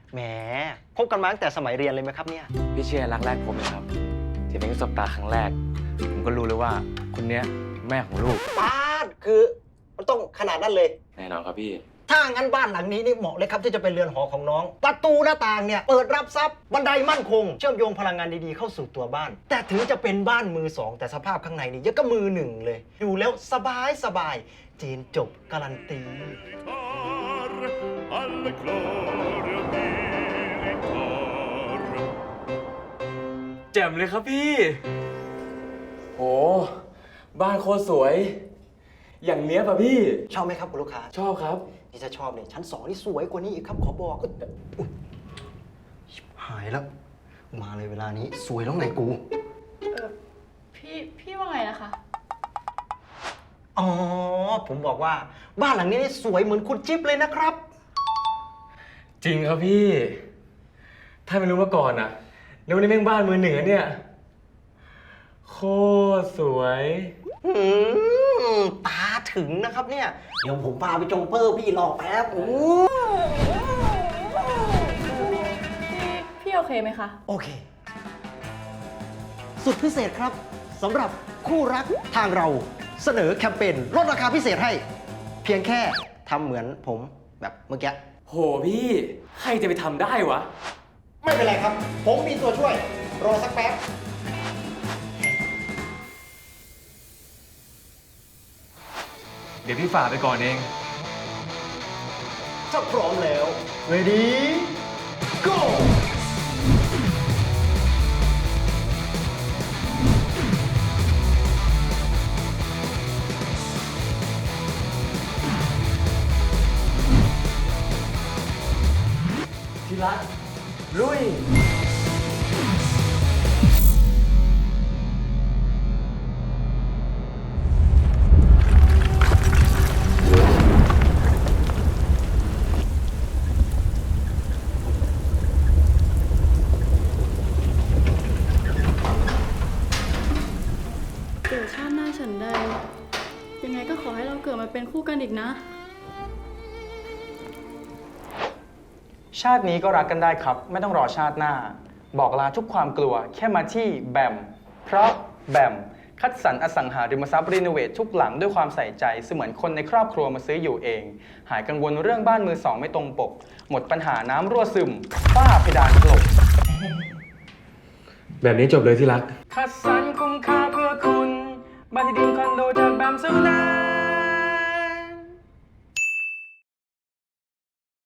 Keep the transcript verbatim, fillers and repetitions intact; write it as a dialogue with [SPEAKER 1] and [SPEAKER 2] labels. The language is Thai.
[SPEAKER 1] แหมคบกันมาตั้งแต่สมัยเรียนเลยไหมครับเนี่ย
[SPEAKER 2] พี่เชียร์รักแรกผมเลยครับที่เป็นสบตาครั้งแรกผมก็รู้เลยว่าคนเนี้ยแม่ของลูก
[SPEAKER 1] ป้าดคือมันต้องขนาดนั้นเลย
[SPEAKER 2] แน่นอนครับพี่
[SPEAKER 1] ถ้างั้นบ้านหลังนี้นี่เหมาะเลยครับที่จะเป็นเรือนหอของน้องประตูหน้าต่างเนี่ยเปิดรับทรัพย์บันไดมั่นคงเชื่อมโยงพลังงานดีๆเข้าสู่ตัวบ้านแต่ถึงจะเป็นบ้านมือสองแต่สภาพข้างในนี่ยังก็มือหนึ่งเลยอยู่แล้วสบายสบายจีนจบการันตี
[SPEAKER 2] แจ่มเลยครับพี่โหบ้านโคตรสวยอย่างเนี้ยป่ะพี่
[SPEAKER 1] ชอบไหมครับคุณลูกค้า
[SPEAKER 2] ชอบครับ
[SPEAKER 1] ที่จะชอบเนี่ยชั้นสองนี่สวยกว่านี้อีกครับขอบอกอุ๊ยหายแล้วมาเลยเวลานี้สวยแล้วไงกู
[SPEAKER 3] เออพี่พี่ว่าไงนะคะ
[SPEAKER 1] อ๋อผมบอกว่าบ้านหลังนี้นี่สวยเหมือนคุณจิ๊บเลยนะครับ
[SPEAKER 2] จริงครับพี่ถ้าไม่รู้มาก่อนอะแล้ววันนี้แม่งบ้านมือเหนือเนี่ยโคตรสวย
[SPEAKER 1] อืมตาถึงนะครับเนี่ยเดี๋ยวผมพาไปจงเปอร์พี่รอแป๊บโอ้
[SPEAKER 3] พี่พี่โอเคไหมคะ
[SPEAKER 1] โอเคสุดพิเศษครับสำหรับคู่รักทางเราเสนอแคมเปญลดราคาพิเศษให้เพียงแค่ทำเหมือนผมแบบเมื่อกี้
[SPEAKER 2] โหพี่ใครจะไปทำได้วะ
[SPEAKER 1] ไม่เป็นไรครับผมมีตัวช่วยรอสักแป๊บ
[SPEAKER 2] เดี๋ยวพี่ฝ่าไปก่อนเอง
[SPEAKER 1] ถ้าพร้อมแล้ว ready go
[SPEAKER 2] ที่รักลุย
[SPEAKER 3] เกิดชาติหน้าฉันใดยังไงก็ขอให้เราเกิดมาเป็นคู่กันอีกนะ
[SPEAKER 4] ชาตินี้ก็รักกันได้ครับไม่ต้องรอชาติหน้าบอกลาทุกความกลัวแค่มาที่แบมเพราะแบมคัดสรรอสังหาริมทรัพย์รีโนเวททุกหลังด้วยความใส่ใจเสมือนคนในครอบครัวมาซื้ออยู่เองหายกังวลเรื่องบ้านมือสองไม่ตรงปกหมดปัญหาน้ำรั่วซึมฝ้าเพดานถล่ม
[SPEAKER 2] แบบนี้จบเลยที่รัก
[SPEAKER 4] คัดสรรคุ้มค่าเพื่อคุณบ้านที่ดินคอนโดจากแบมซูไน